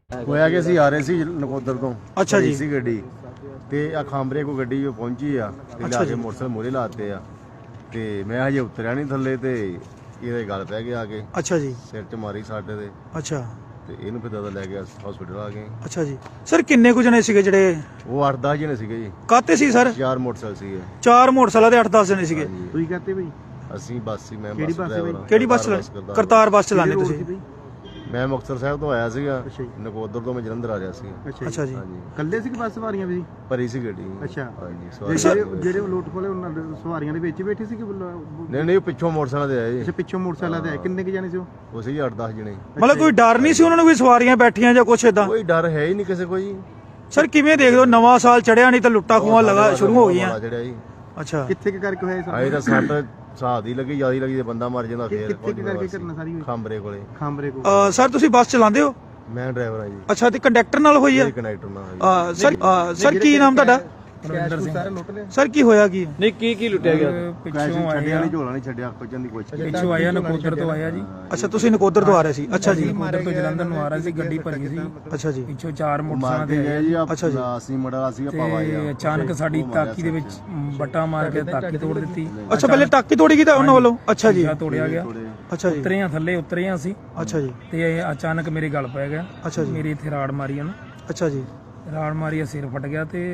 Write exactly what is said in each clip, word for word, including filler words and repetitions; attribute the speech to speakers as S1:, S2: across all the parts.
S1: ਹੋਇਆ ਕਿ ਅਸੀਂ ਆ ਰਹੇ ਸੀ ਨਕੋਦਰ ਤੋਂ।
S2: ਅੱਛਾ ਜੀ।
S1: ਸੀ ਗੱਡੀ ਤੇ ਆ ਖਾਂਬਰੇ ਕੋ ਗੱਡੀ ਜੋ ਪਹੁੰਚੀ ਆ ਤੇ ਲਿਆ ਕੇ ਮੋਟਰਸਾਈਕਲ ਮੋਰੇ ਲਾਤੇ ਆ ਤੇ ਮੈਂ ਹਜੇ ਉਤਰਿਆ ਨਹੀਂ ਥੱਲੇ ਤੇ ਇਹਦੇ ਗੱਲ ਪੈ ਗਿਆ ਆ ਕੇ।
S2: ਅੱਛਾ ਜੀ।
S1: ਸਿਰ 'ਚ ਮਾਰੀ ਸਾਡੇ ਦੇ।
S2: ਅੱਛਾ
S1: ਤੇ ਇਹਨੂੰ ਫਿਰ ਦਾਦਾ ਲੈ ਗਿਆ ਹਸਪੀਟਲ ਆ ਗਏ।
S2: ਅੱਛਾ ਜੀ। ਸਰ ਕਿੰਨੇ ਕੁ ਜਣੇ ਸੀਗੇ ਜਿਹੜੇ?
S1: ਉਹ ਅੱਠ ਦਸ ਜਣੇ ਸੀਗੇ ਜੀ।
S2: ਕਾਤੇ ਸੀ ਸਰ?
S1: ਚਾਰ ਮੋਟਰਸਾਈਕਲ ਸੀਗੇ।
S2: ਚਾਰ ਮੋਟਰਸਾਈਕਲ ਦੇ ਅੱਠ ਦਸ ਜਣੇ ਸੀਗੇ।
S3: ਤੁਸੀਂ ਕਹਤੇ ਬਈ
S1: ਅਸੀਂ ਬੱਸ ਸੀ। ਮੈਂ
S3: ਕਿਹੜੀ
S1: ਬੱਸ
S3: ਬੱਸ ਸੀ ਬਈ?
S1: ਡਰਾਈਵਰ।
S2: ਕਿਹੜੀ ਬੱਸ? ਕਰਤਾਰ ਬੱਸ ਚਲਾਉਂਦੇ ਤੁਸੀਂ?
S1: ਮੈਂ ਮੁਕਤਸਰ ਸਾਹਿਬ ਤੋਂ ਆਇਆ ਸੀਗਾ।
S3: ਅੱਛਾ ਜੀ।
S1: ਨਕੋਦਰ ਤੋਂ ਮੈਂ ਜਲੰਧਰ ਆ ਰਿਹਾ ਸੀ।
S2: ਅੱਛਾ ਜੀ।
S1: ਹਾਂਜੀ।
S3: ਕੱਲੇ ਸੀ ਕਿ ਬੱਸ ਸਵਾਰੀਆਂ ਵੀ?
S1: ਭਰੀ ਸੀ ਗੱਡੀ।
S3: ਅੱਛਾ।
S1: ਹਾਂਜੀ
S3: ਜਿਹੜੇ
S1: ਸਵਾਰੀ
S3: ਜਿਹੜੇ ਉਹ ਲੋਟ ਖੋਲੇ ਉਹਨਾਂ ਦੇ ਸਵਾਰੀਆਂ ਦੇ ਵਿੱਚ ਹੀ ਬੈਠੇ ਸੀ ਕਿ
S1: ਨਹੀਂ ਨਹੀਂ ਉਹ ਪਿੱਛੋਂ ਮੋਟਰਸਾਈਕਲ ਤੇ ਆਏ
S3: ਅੱਛਾ
S1: ਜੀ।
S3: ਪਿੱਛੋਂ ਮੋਟਰਸਾਈਕਲ ਤੇ ਆਏ। ਕਿੰਨੇ ਕੁ ਜਾਣੇ ਸੀ ਉਹ?
S1: ਉਹ ਸੀ ਅੱਠ ਦਸ ਜਣੇ।
S2: ਮਤਲਬ ਕੋਈ ਡਰ ਨਹੀਂ ਸੀ ਉਹਨਾਂ ਨੂੰ ਕੋਈ ਸਵਾਰੀਆਂ ਬੈਠੀਆਂ ਜਾਂ ਕੁਛ ਏਦਾਂ?
S1: ਕੋਈ ਡਰ ਹੈ ਹੀ ਨਹੀਂ ਕਿਸੇ ਕੋਈ।
S2: ਸਰ ਕਿਵੇਂ ਦੇਖਦੇ ਹੋ ਨਵਾਂ ਸਾਲ ਚੜਿਆ ਨਹੀਂ ਤਾਂ ਲੁੱਟਾਂ ਖੋਹਾਂ ਲਗਾ ਸ਼ੁਰੂ ਹੋ ਗਈਆਂ?
S1: ਚੜਿਆ ਜੀ।
S2: ਅੱਛਾ
S3: ਕਿੱਥੇ ਕਿ ਕਰਕੇ ਹੋਇਆ
S1: ਆਏ ਤਾਂ
S3: ਸਰ?
S1: ਸੱਟ ਸਾਹ ਦੀ ਲੱਗੀ ਜਿਆਦਾ ਲੱਗੀ ਤੇ ਬੰਦਾ ਮਰ ਜਾਂਦਾ ਫੇਰ।
S3: ਕਿੱਥੇ ਕਿ ਕਰਕੇ ਘਟਨਾ ਸਾਰੀ ਹੋਈ?
S1: ਖਾਂਬਰੇ ਕੋਲੇ।
S3: ਖਾਂਬਰੇ ਕੋ।
S2: ਅ, ਸਰ ਤੁਸੀਂ ਬੱਸ ਚਲਾਉਂਦੇ ਹੋ?
S1: ਮੈਂ ਡਰਾਈਵਰ ਆ ਜੀ।
S2: ਅੱਛਾ ਤੇ ਕੰਡਕਟਰ ਨਾਲ ਹੋਈ ਹੈ?
S1: ਕਨੈਕਟਰ ਨਾਲ ਹੋਈ।
S2: ਅ, ਸਰ ਅ, ਸਰ ਕੀ ਨਾਮ ਤੁਹਾਡਾ?
S3: ਸਾਰੇ ਲੁੱਟ ਲਏ।
S2: ਸਰ ਕੀ ਹੋਇਆ ਕੀ?
S4: ਨਹੀਂ ਕੀ ਕੀ ਲੁੱਟਿਆ ਗਿਆ?
S1: ਪਿੱਛੋਂ ਛੱਡਿਆ ਨਹੀਂ ਝੋਲਾ ਨਹੀਂ ਛੱਡਿਆ ਕੁਝ ਦੀ ਕੋਸ਼ਿਸ਼।
S4: ਪਿੱਛੋਂ ਆਇਆ ਨਕੋਦਰ ਤੋਂ ਆਇਆ ਜੀ।
S2: ਅੱਛਾ ਤੁਸੀਂ ਨਕੋਦਰ ਤੋਂ ਆ ਰਹੇ ਸੀ? ਅੱਛਾ ਜੀ।
S4: ਨਕੋਦਰ ਤੋਂ ਜਲੰਧਰ ਨੂੰ ਆ ਰਿਹਾ ਸੀ, ਗੱਡੀ ਭਰੀ ਸੀ।
S2: ਅੱਛਾ ਜੀ।
S4: ਪਿੱਛੋਂ ਚਾਰ
S1: ਮਾਰ
S4: ਮੋਟਰਸਾਈਕਲ
S1: ਕੇ
S4: ਤੇ
S1: ਗਏ ਜੀ।
S2: ਅੱਛਾ ਜੀ।
S1: ਅਸੀਂ ਮੜਾ ਸੀ ਪਾਵਾ
S4: ਤੇ ਅਚਾਨਕ ਸਾਡੀ ਤਾਕੀ ਦੇ ਵਿੱਚ ਬੱਟਾ ਮਾਰ ਕੇ ਤਾਕੀ ਤੋੜ ਦਿੱਤੀ।
S2: ਅੱਛਾ ਪਹਿਲੇ ਟਾਕੀ ਤੋੜੀ ਗਈ ਤਾਂ ਉਹਨਾਂ ਵੱਲੋਂ? ਅੱਛਾ ਜੀ।
S4: ਸ਼ੀਸ਼ਾ ਤੋੜਿਆ ਗਿਆ।
S2: ਅੱਛਾ ਜੀ।
S4: ਉਤਰੇ ਆ ਥੱਲੇ ਉਤਰੇ ਆ ਅਸੀਂ
S2: ਅੱਛਾ ਜੀ।
S4: ਤੇ ਅਚਾਨਕ ਮੇਰੇ ਗਲ ਪੈ ਗਿਆ।
S2: ਅੱਛਾ ਜੀ।
S4: ਮੇਰੇ ਇੱਥੇ ਰਾੜ ਮਾਰੀ ਉਹਨੇ।
S2: ਅੱਛਾ ਜੀ।
S4: ਰਾੜ ਮਾਰੀ, ਸਿਰ ਫਟ ਗਿਆ ਤੇ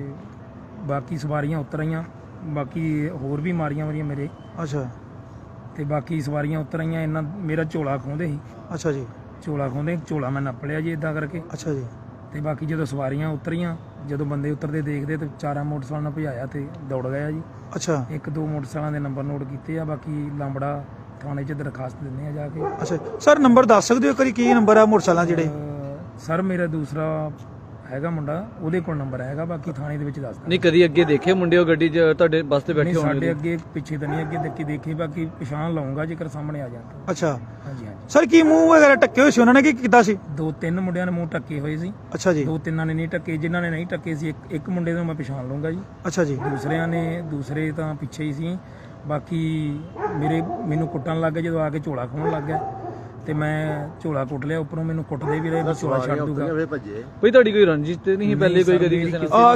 S4: ਬਾਕੀ ਸਵਾਰੀਆਂ ਉਤਰ ਆਈਆਂ। ਬਾਕੀ ਹੋਰ ਵੀ ਮਾਰੀਆਂ ਮਾਰੀਆਂ ਮੇਰੇ।
S2: ਅੱਛਾ
S4: ਤੇ ਬਾਕੀ ਸਵਾਰੀਆਂ ਉਤਰ ਆਈਆਂ। ਇਹਨਾਂ ਮੇਰਾ ਝੋਲਾ ਖੋਹਦੇ ਸੀ।
S2: ਅੱਛਾ ਜੀ।
S4: ਝੋਲਾ ਖੋਹਦੇ ਝੋਲਾ ਮੈਂ ਨੱਪ ਲਿਆ ਜੀ ਇਦਾਂ ਕਰਕੇ।
S2: ਅੱਛਾ ਜੀ।
S4: ਤੇ ਬਾਕੀ ਜਦੋਂ ਸਵਾਰੀਆਂ ਉਤਰੀਆਂ, ਜਦੋਂ ਬੰਦੇ ਉਤਰਦੇ ਦੇਖਦੇ ਤੇ ਚਾਰਾਂ ਮੋਟਰਸਾਈਕਲਾਂ ਨਾਲ ਭਜਾਇਆ ਤੇ ਦੌੜ ਗਿਆ ਜੀ।
S2: ਅੱਛਾ
S4: ਇੱਕ ਦੋ ਮੋਟਰਸਾਈਕਲਾਂ ਦੇ ਨੰਬਰ ਨੋਟ ਕੀਤੇ ਆ। ਬਾਕੀ ਲਾਂਬੜਾ ਥਾਣੇ 'ਚ ਦਰਖਾਸਤ ਦਿੰਦੇ ਆ ਜਾ ਕੇ।
S2: ਅੱਛਾ ਸਰ ਨੰਬਰ ਦੱਸ ਸਕਦੇ ਹੋ ਕਰੀ ਕੀ ਨੰਬਰ ਆ ਮੋਟਰਸਾਈਕਲਾਂ ਜਿਹੜੇ?
S4: ਅਹ ਸਰ ਮੇਰਾ ਦੂਸਰਾ ਹੈਗਾ ਮੁੰਡਾ, ਉਹਦੇ ਕੋਲ ਨੰਬਰ ਹੈਗਾ। ਬਾਕੀ ਥਾਣੇ ਦੇ ਵਿੱਚ ਦੱਸਦਾ।
S5: ਨਹੀਂ ਕਦੀ ਅੱਗੇ ਦੇਖੇ ਮੁੰਡੇ ਉਹ ਗੱਡੀ 'ਚ ਤੁਹਾਡੇ ਬੱਸ ਤੇ ਬੈਠੇ
S4: ਨਹੀਂ
S5: ਹੋਣਗੇ?
S4: ਸਾਡੇ ਅੱਗੇ ਪਿੱਛੇ ਤਾਂ ਨਹੀਂ ਅੱਗੇ ਦੇਖੀ ਦੇਖੀ ਬਾਕੀ ਪਛਾਣ ਲਾਉਂਗਾ ਜੇਕਰ ਸਾਹਮਣੇ ਆ ਜਾਣ।
S2: ਅੱਛਾ
S4: ਹਾਂਜੀ ਹਾਂਜੀ।
S2: ਸਰ ਕੀ ਮੂੰਹ ਵਗੈਰਾ ਟੱਕੇ ਹੋਏ ਸੀ ਉਹਨਾਂ ਨੇ ਕੀ ਕੀਤਾ ਸੀ?
S4: ਦੋ ਤਿੰਨ ਮੁੰਡਿਆਂ ਨੇ ਮੂੰਹ ਢੱਕੇ ਹੋਏ ਸੀ।
S2: ਅੱਛਾ ਜੀ।
S4: ਦੋ ਤਿੰਨਾਂ ਨੇ ਨਹੀਂ ਢੱਕੇ। ਜਿਨ੍ਹਾਂ ਨੇ ਨਹੀਂ ਢੱਕੇ ਸੀ ਇੱਕ ਇੱਕ ਮੁੰਡੇ ਨੂੰ ਮੈਂ ਪਛਾਣ ਲਊਂਗਾ ਜੀ।
S2: ਅੱਛਾ ਜੀ।
S4: ਦੂਸਰਿਆਂ ਨੇ ਦੂਸਰੇ ਤਾਂ ਪਿੱਛੇ ਹੀ ਸੀ। ਬਾਕੀ ਮੇਰੇ ਮੈਨੂੰ ਕੁੱਟਣ ਲੱਗ ਗਏ ਜਦੋਂ ਆ ਕੇ ਝੋਲਾ ਖੋਹਣ ਲੱਗ ਗਿਆ ਤੇ ਮੈਂ ਝੋਲਾ ਕੁੱਟ ਲਿਆ। ਉੱਪਰੋਂ ਮੈਨੂੰ ਕੁੱਟਦੇ ਵੀ ਰਹੇ ਵੀ ਝੋਲਾ ਛੱਡ ਦੂਗਾ।
S1: ਭੱਜੇ।
S5: ਕੋਈ ਤੁਹਾਡੀ ਕੋਈ ਰੰਜਿਸ਼ ਤੇ ਨਹੀਂ ਸੀ ਪਹਿਲੇ ਕੋਈ ਕਦੀ ਕਿਸੇ ਨਾਲ?